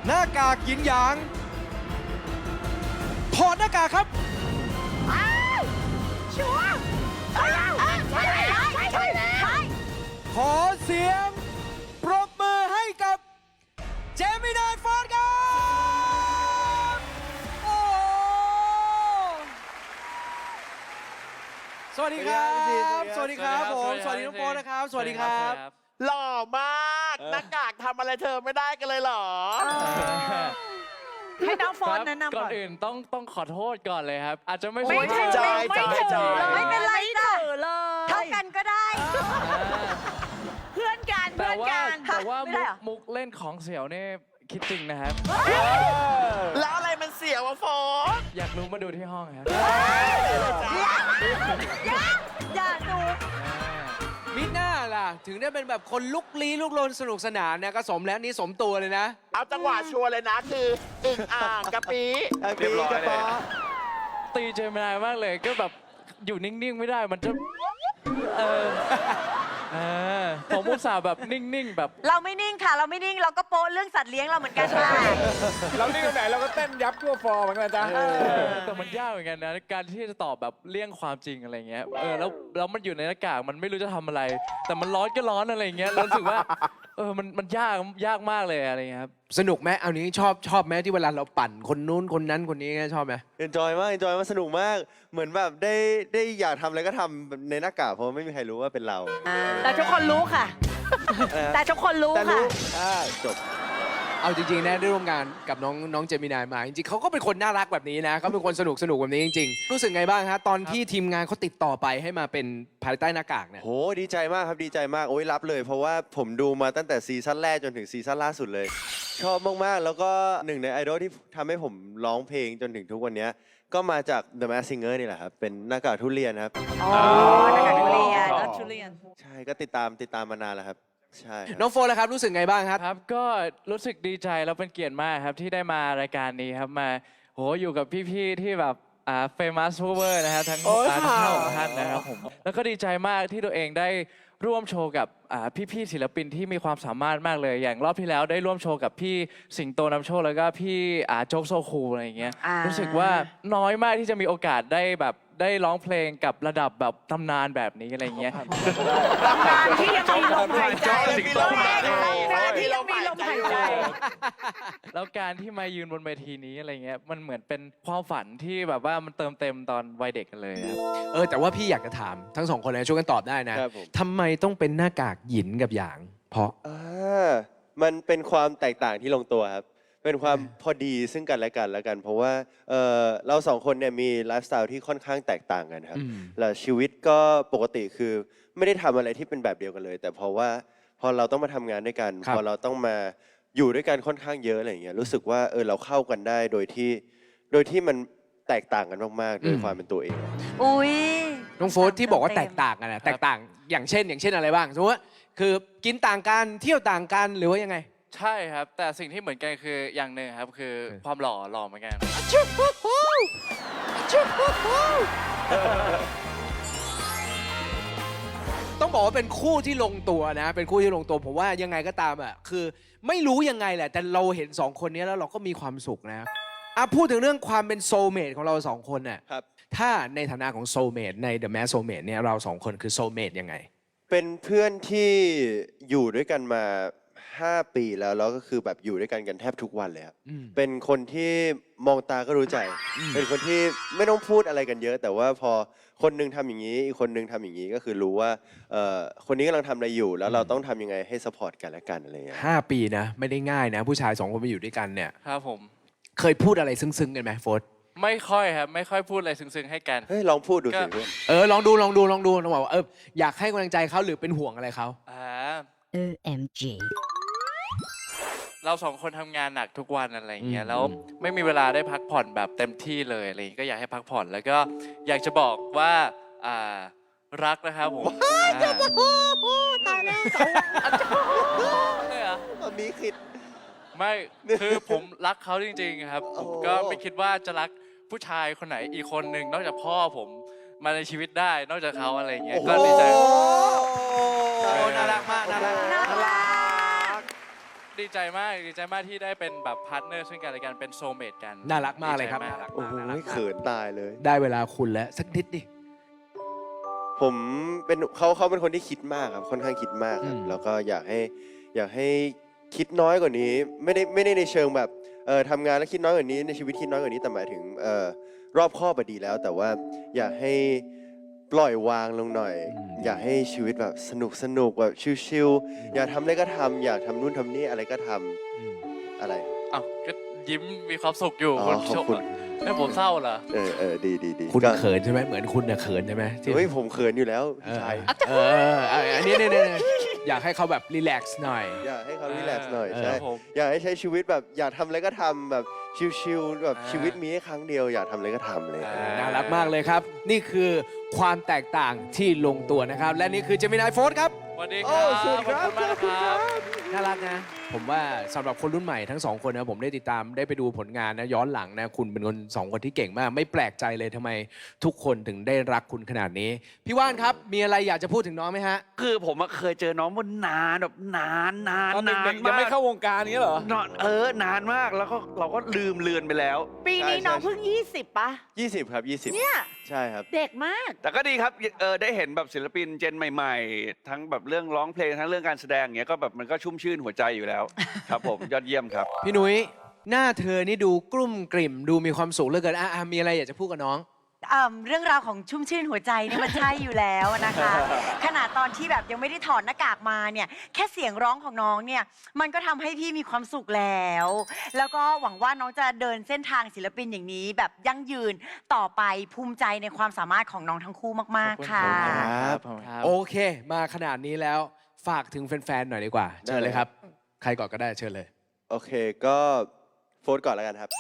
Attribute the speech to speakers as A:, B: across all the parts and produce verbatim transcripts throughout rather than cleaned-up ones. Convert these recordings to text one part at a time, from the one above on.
A: หน้ากากหยินหยางถอดหน้ากากครับ
B: ชัวร์ใช่ใช่ใช่ใช่ใช่
A: ขอเสียงปรบมือให้กับเจมินายฟอร์ดครับโอ้สวัสดีครับ สวัสดีครับผม สวัสดีน้องโฟร์นะครับ สวัสดีครับ
C: หล่อมากหน้ากากทำอะไรเธอไม่ได้กันเลยเหรอ
B: ให้น้องโฟนแนะนำ
D: ก่
B: ก่
D: อ
B: อน น
D: อื่นต้องต้องขอโทษก่อนเลยครับ อาจจะไม่
B: ไม่
D: ใช่
B: ถือ
C: ใจ
B: ไม่
C: ใจ
B: ถือ
C: ใจ
B: ไม่เป็นไรจ้ะ
E: เลย
B: เท่ากันก็ได้
E: เพื่อนกัน
D: แต่
E: เพื่อน
D: ว่า
E: กัน
D: แต่ว่า
B: ไม่
D: มุ
B: ได้
D: ก
B: เหรอ
D: มุกเล่นของเสียวนี่คิดจริงนะครับ
C: แล้วอะไรมันเสียวะโฟน
D: อยากรู้มาดูที่ห้องครับ
B: อย่าอย่าดู
A: มิน่าล่ะ ถึงได้เป็นแบบคนลุกลี้ลุกลนสนุกสนานเนี่ยก็สมแล้วนี่สมตัวเลยนะ
C: เอาจังหวะชัวร์เลยนะคืออึ่งอ่างกะปิเรียบร้อยเลย
D: ตีเจมินายมากเลยก็แบบอยู่นิ่งๆไม่ได้มันจะเออเออผมอุตส่าห์แบบนิ่งๆแบบ
B: เราไม่นิ่งค่ะ เราไม่นิ่งเราก็โป๊ะเรื่องสัตว์เลี้ยงเราเหมือนกันค่ะ
F: เรานี่ตรงไหนเราก็เต้นยับทั่วฟอร์เหมือนกันนะจ๊ะ
D: แต่มันยากเหมือนกันนะการที่จะตอบแบบเลี่ยงความจริงอะไรเงี้ยเออแล้วแล้วมันอยู่ในหน้ากากมันไม่รู้จะทำอะไร แต่มันร้อนก็ร้อนอะไรเงี้ยแล้วรู้สึกว่าเออมันมันยากยากมากเลยอะไรเงี้ยครับ
A: สนุกไหมเอานี้ชอบชอบไหมที่เวลาเราปั่นคนนู้นคนนั้นคนนี้ชอบไหม
G: เอนจอยมากเอนจอยมากสนุกมาก เหมือนแบบได้ได้อยากทำอะไรก็ทำในหน้ากากเพราะไม่มีใครรู้ว่าเป็นเรา
E: แต่ทุกคนรู้ค่ะ แต่ทุกคนรู้
G: แต่
E: ค่ะ
G: รู้อ่าจบ
A: เอาจริงๆนะได้ร่วมงานกับน้องน้องเจมินายมาจริงๆเขาก็เป็นคนน่ารักแบบนี้นะเขาเป็นคนสนุกสนุกแบบนี้จริงๆรู้สึกไงบ้างฮะตอนที่ทีมงานเขาติดต่อไปให้มาเป็นภายใต้หน้ากากเนี่ย
G: โหดีใจมากครับดีใจมากโอ้ยรับเลย เพราะว่าผมดูมาตั้งแต่ซีซั่นแรกจนถึงซีซั่นล่าสุดเลย ชอบมากๆ แล้วก็หนึ่งในไอดอลที่ทำให้ผมร้องเพลงจนถึงทุกวันนี้ก็มาจาก The Masked Singer นี่แหละครับเป็นหน้ากากทุเรียนครับ
B: อ๋อนักการทุเรียน
E: ทุเรียน
G: ใช่ก็ติดตามติดตามมานานแล้วครับใช่ครับ
A: น้องโฟร์ล่ะครับรู้สึกไงบ้างครับ
D: ครับก็รู้สึกดีใจแล้วเป็นเกียรติมากครับที่ได้มารายการนี้ครับมาโหอยู่กับพี่ๆที่แบบอ่าเฟมัสเวอร์นะครับทั้ง
C: โอ้ย
D: อ่า
C: ค่ะ
D: ทั้งหกท่านนะครับผมแล้วก็ดีใจมากที่ตัวเองได้ร่วมโชว์กับอ่าพี่ๆศิลปินที่มีความสามารถมากเลย อย่างรอบที่แล้วได้ร่วมโชว์กับพี่สิงโตนำโชคแล้วก็พี่อ่าโจ๊กโซคูอะไรอย่างเงี้ย
B: อ่ารู้
D: รู้สึกว่าน้อยมากที่จะมีโอกาสได้แบบได้ร้องเพลงกับระดับแบบตำนานแบบนี้อะไรอย่างเงี้ย
E: ตำนานที่ยังมีลมหายใจ
C: สิงโตมาเลย
E: ตำนานที่ยังมีลมหายใจ
D: แล้วการที่มายืนบนเวทีนี้อะไรเงี้ยมันเหมือนเป็นความฝันที่แบบว่ามันเติมเต็มตอนวัยเด็กกันเลยครับ
A: เออแต่ว่าพี่อยากจะถามทั้งสองคนเลยช่วยกันตอบได้นะครับ
G: ผม
A: ทำไมต้องเป็นหน้ากากหยินกับหยาง เพราะ
G: อ่ามันเป็นความแตกต่างที่ลงตัวครับ เป็นความพอดีซึ่งกันและกันแล้วกัน เพราะว่าเอ่อเราสองคนเนี่ยมีไลฟ์สไตล์ที่ค่อนข้างแตกต่างกันครับ
A: อืม
G: แล้วชีวิตก็ปกติคือไม่ได้ทำอะไรที่เป็นแบบเดียวกันเลย แต่เพราะว่าพอเราต้องมาทำงานด้วยกัน
A: ครับ
G: พอเราต้องมาอยู่ด้วยกันค่อนข้างเยอะอะไรอย่างเงี้ยรู้สึกว่าเออเราเข้ากันได้โดยที่โดยที่มันแตกต่างกันมากๆโดยความเป็นตัวเอง
B: อุ้ย
A: น้องโฟร์ที่บอกว่าแตกต่างกันนะแตกต่างอย่างเช่น อย่างเช่นอะไรบ้างสมมติว่าคือกินต่างกันเที่ยวต่างกันหรือว่ายังไง
D: ใช่ครับ แต่สิ่งที่เหมือนกันคืออย่างหนึ่งครับคือ
A: เออ
D: ความหล่อหล่อเหมือนกัน
A: ต้องบอกว่าเป็นคู่ที่ลงตัวนะ เป็นคู่ที่ลงตัวผมว่ายังไงก็ตามอ่ะคือไม่รู้ยังไงแหละ แต่เราเห็นสองคนนี้แล้วเราก็มีความสุขนะอ่ะพูดถึงเรื่องความเป็นโซลเมทของเราสองคนน่ะ
G: ครับ
A: ถ้าในฐานะของโซลเมทใน The Masked Soulmate เนี่ยเราสองคนคือโซลเมทยังไง
G: เป็นเพื่อนที่อยู่ด้วยกันมาห้าปีแล้วแล้วก็คือแบบอยู่ด้วยกันกันแทบทุกวันเลยครับ
A: อืม
G: เป็นคนที่มองตาก็รู้ใจ เป็นคนที่ไม่ต้องพูดอะไรกันเยอะ แต่ว่าพอคนหนึงทำอย่างนี้ อีกคนหนึงทำอย่างนี้ก็คือรู้ว่าเอ่อคนนี้กำลังทำอะไรอยู่ แล้วเราต้องทำยังไงให้สปอร์ตกันและกันอะไรอย่างเงี้ย
A: ห้าปีนะ ไม่ได้ง่ายนะ ผู้ชายสองคนมาอยู่ด้วยกันเนี่ย
D: ครับผม
A: เคยพูดอะไรซึ้งๆกันไหมโฟร์
D: ไม่ค่อยครับไม่ค่อยพูดอะไรซึ้งๆให้กัน
G: เฮ้ยลองพูดดูสิ
D: ก็
G: เพื่อน
A: เออลองดูลองดูลองดูลองบอกว่าเอออยากให้กำลังใจเขาหรือเป็นห่วงอะไรเขา
D: อ่า
E: โอ เอ็ม จี
D: เราสองคนทำงานหนักทุกวันอะไรอย่างเงี้ยแล้วไม่มีเวลาได้พักผ่อนแบบเต็มที่เลยอะไรอย่างเงี้ยก็อยากให้พักผ่อนแล้วก็อยากจะบอกว่าอ่ารักนะครับผมตายแล้วเลยเหรอ
G: มันมีคิด
D: ไม่คือผมรักเขาจริงๆครับผมก็ไม่คิดว่าจะรักผู้ชายคนไหนอีกคนหนึ่งนอกจากพ่อผมมาในชีวิตได้นอกจากเขาอะไรอย่างเงี้ยก็ดีใจ
A: โอ้น่ารักมากน่ารัก
B: น่ารัก
D: ดีใจมากดีใจมากที่ได้เป็นแบบพาร์ทเนอร์ซึ่งกันและกันเป็นโซลเมตกัน
A: น่ารักมากเลยครับ
D: ดีใจ
A: น่ารัก
G: โอ้
A: มาก
G: โห
A: น่ารัก
G: เขินตายเลย
A: ได้เวลาคุณแล้วสักนิดดิ
G: ผมเป็นเขาเขาเป็นคนที่คิดมากครับค่อนข้างคิดมากครับ
A: อืม
G: แล้วก็อยากให้อยากให้คิดน้อยกว่านี้ ไม่ได้ไม่ได้ในเชิงแบบเออทำงานแล้วคิดน้อยกว่านี้ในชีวิตคิดน้อยกว่านี้แต่หมายถึงเออรอบคอบดีแล้ว แต่ว่าอยากให้ปล่อยวางลงหน่อย อยากให้ชีวิตแบบสนุกสนุกแบบชิลๆอยากทำอะไรก็ทำอยากทำนู่นทำนี่อะไรก็ทำ
A: อืม
G: อะไร
D: อ้าวก็ยิ้มมีความสุขอยู่
G: อ๋อ
D: คุณ
G: ขอบคุณ
D: แล้วผมเศร้าเหรอ
G: เออเออดีดีดี
A: คุณ
G: ก็
A: เขินใช่ไหมเหมือนคุณเนี่ยเขินใช่ไหมที่
G: เฮ้ยผมเขินอยู่แล้ว
A: เอ
G: พี่
A: อ
G: ชาย
A: เออเออเอออันนี้เนี่ยเนี่ยอยากให้เขาแบบรีแลกซ์หน่อย
G: อยากให้เขารีแลกซ์หน่อย
A: เออ
G: ใช่
D: ครับผม
G: อยากให้ใช้ชีวิตแบบอยากทำอะไรก็ทำแบบชิลๆแบบ
D: อ่า
G: ชีวิตมีแค่ครั้งเดียวอยากทำอะไรก็ทำเลย
D: อ่า
A: น่ารักมากเลยครับ นี่คือความแตกต่างที่ลงตัวนะครับ และนี่คือเจมินายโฟร์ครับ
D: สวัสดีค
G: โอ้
D: รับ
G: สวัสดีครับ
D: ขอบคุณมากนะครับ
A: น่ารักนะ ผมว่าสำหรับคนรุ่นใหม่ทั้งสองคนนะผมได้ติดตามได้ไปดูผลงานนะย้อนหลังนะคุณเป็นคนสองคนที่เก่งมาก ไม่แปลกใจเลยทำไมทุกคนถึงได้รักคุณขนาดนี้ พี่ว่านครับมีอะไรอยากจะพูดถึงน้องไหมฮะ
B: คือผมอะเคยเจอน้องมันนานแบบนานนาน
F: ตอน
B: นาน
F: เด็กๆยัง
B: มา
F: ไม่
B: ก
F: เข้าวงการนี้เหรอ
B: นานเออนานมากแล้วก็เราก็ลืมเลือนไปแล้ว
E: ปีนี้น้องเพิ่งยี่สิบปะ
G: ยี่สิบครับยี่สิบ
E: เนี่ย
G: ใช่ครับ
E: เด็กมาก
B: แต่ก็ดีครับเออได้เห็นแบบศิลปินเจนใหม่ๆ ทั้งแบบเรื่องร้องเพลงทั้งเรื่องการแสดงอย่างเงี้ยก็แบบมันก็ชุ่มชื่นหัวใจอยู่แล้ว ครับผมยอดเยี่ยมครับ
A: พี่นุ้ยหน้าเธอนี่ดูกลุ่มกลิ่มดูมีความสุขเหลือเกินอ่ะอ่ะมีอะไรอยากจะพูดกับน้อง
H: อ่าเรื่องราวของชุ่มชื่นหัวใจเนี่ยมันใช่อยู่แล้วนะคะ ขนาดตอนที่แบบยังไม่ได้ถอดหน้ากากมาเนี่ยแค่เสียงร้องของน้องเนี่ยมันก็ทำให้พี่มีความสุขแล้ว แล้วก็หวังว่าน้องจะเดินเส้นทางศิลปินอย่างนี้ แบบยั่งยืนต่อไปภูมิใจในความสามารถของน้องทั้งคู่มากๆค่ะ
G: ครับ
D: ครับ
A: โอเค มาขนาดนี้แล้วฝากถึงแฟนๆหน่อยดีกว่าเชิญเลยครับ ใครก่อนก็ได้เชิญเลย
G: โอเคก็โฟนก่อนแล้วกันครับ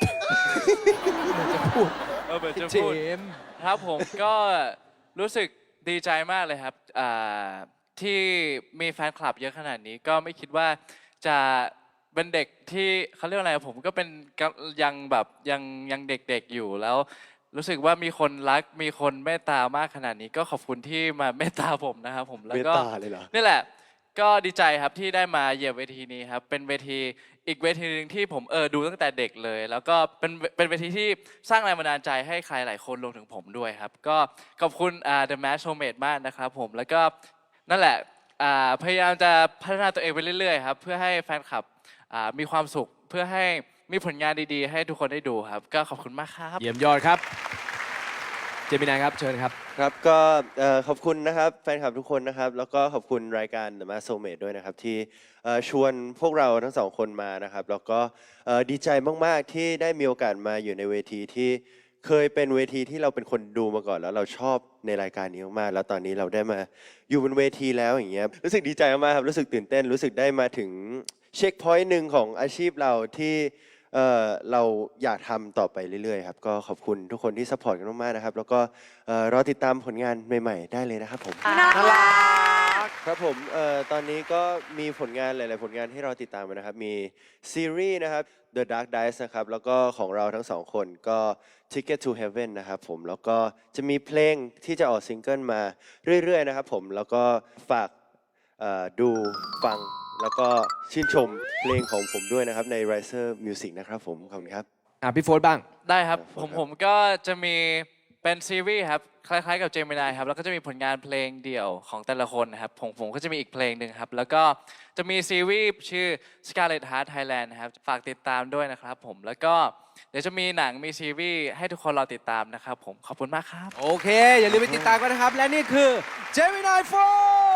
D: เออเปิดจะ
A: เจ
D: พูด
A: มส์
D: ครับผมก็รู้สึกดีใจมากเลยครับอ่าที่มีแฟนคลับเยอะขนาดนี้ก็ไม่คิดว่าจะเป็นเด็กที่เขาเรียกว่าอะไรผมก็เป็นกำยังแบบยังยังเด็กๆอยู่แล้ว รู้สึกว่ามีคนรักมีคนเมตตามากขนาดนี้ ก็ขอบคุณที่มาเมตตาผมนะครับผมแล้ว
G: เมต
D: ก็
G: ตาเลยเหรอ
D: นี่แหละ ก็ดีใจครับที่ได้มาเหยียบเวทีนี้ครับ เป็นเวทีอีกเวทีหนึ่งที่ผมเออดูตั้งแต่เด็กเลย แล้วก็เป็นเป็นเวทีที่สร้างแรงบันดาลใจให้ใครหลายคนรวมถึงผมด้วยครับ ก็ขอบคุณอ่า The Mask Showmate มากนะครับผมแล้วก็นั่นแหละอ่าพยายามจะพัฒนาตัวเองไปเรื่อยๆครับเพื่อให้แฟนคลับอ่ามีความสุขเพื่อให้มีผลงานดีๆ ให้ทุกคนได้ดูครับ ก็ขอบคุณมากครับ
A: เยี่ยมยอดครับ เจมินายครับเชิญครับ
G: ครับก็เอ่อขอบคุณนะครับแฟนคลับทุกคนนะครับ แล้วก็ขอบคุณรายการ The Mask Showmate ด้วยนะครับ ที่เอ่อชวนพวกเราทั้งสองคนมานะครับ แล้วก็เอ่อดีใจมาก ๆ ที่ได้มีโอกาสมาอยู่ในเวทีที่เคยเป็นเวทีที่เราเป็นคนดูมาก่อน แล้วเราชอบในรายการนี้มาก ๆ แล้วตอนนี้เราได้มาอยู่บนเวทีแล้วอย่างเงี้ยรู้สึกดีใจมากๆครับรู้สึกตื่นเต้นรู้สึกได้มาถึงเช็คพอยต์หนึ่งของอาชีพเราที่เอ่อเราอยากทำต่อไปเรื่อยๆครับก็ขอบคุณทุกคนที่ซัพพอร์ตกันมากๆนะครับแล้วก็เอ่อรอติดตามผลงานใหม่ๆได้เลยนะครับผม
H: น่ารัก
G: ครับผมเอ่อตอนนี้ก็มีผลงานหลายๆผลงานให้เราติดตามกันนะครับมีซีรีส์นะครับ The Dark Dice นะครับแล้วก็ของเราทั้งสองคนก็ Ticket to Heaven นะครับผมแล้วก็จะมีเพลงที่จะออกซิงเกิลมาเรื่อยๆนะครับผมแล้วก็ฝากเอ่อดูฟังแล้วก็ชื่นชมเพลงของผมด้วยนะครับใน Riser Music นะครับผมขอบคุณครับ
A: อ่ะพี่โฟร์บ้าง
D: ได้ครับ
G: ครับ
D: ผมผมก็จะมีเป็นซีรีส์ครับคล้ายๆกับเจมินายครับแล้วก็จะมีผลงานเพลงเดี่ยวของแต่ละคนนะครับผมผมก็จะมีอีกเพลงหนึ่งครับแล้วก็จะมีซีรีส์ชื่อ Scarlet Heart Thailand นะครับฝากติดตามด้วยนะครับผมแล้วก็เดี๋ยวจะมีหนังมีซีรีส์ให้ทุกคนรอติดตามนะครับผมขอบคุณมากครับ
A: โอเค อย่าลืมไปติดตามกันนะครับ และนี่คือเจมินายโฟร์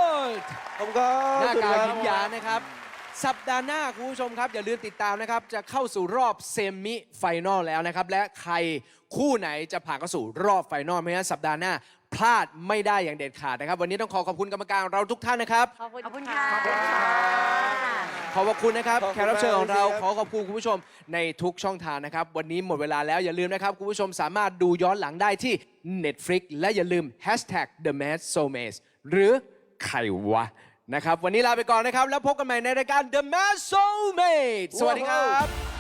G: ขอบคุณครับ
A: หน้ากาก
G: ขอบ
A: ยิ้
G: คุ
A: ม
G: ณ
A: ห
G: ค
A: ยา
G: รับ
A: นะครับ สัปดาห์หน้าคุณผู้ชมครับ อย่าลืมติดตามนะครับ จะเข้าสู่รอบเซมิไฟนอลแล้วนะครับ และใครคู่ไหนจะผ่านเข้าสู่รอบไฟนอลเพราะฉะนั้นสัปดาห์หน้าพลาดไม่ได้อย่างเด็ดขาดนะครับ วันนี้ต้องขอขอบคุณกรรมการเราทุกท่านนะครับ
E: ขอบคุณ
H: ขอบคุณ
E: ค่ะ
H: ค่ะ
A: ขอบพระคุณนะครับ
G: ขอบคุณ
A: แขกรับเชิญของเรา
G: มากเลยครับ
A: ขอขอบคุณคุณผู้ชมในทุกช่องทางนะครับ วันนี้หมดเวลาแล้วอย่าลืมนะครับ คุณผู้ชมสามารถดูย้อนหลังได้ที่ Netflix และอย่าลืม แฮชแท็ก เดอะแมสโซเมท หรือใครวะนะครับ วันนี้ลาไปก่อนนะครับ แล้วพบกันใหม่ในรายการ The Mask Soulmate สวัสดีครับ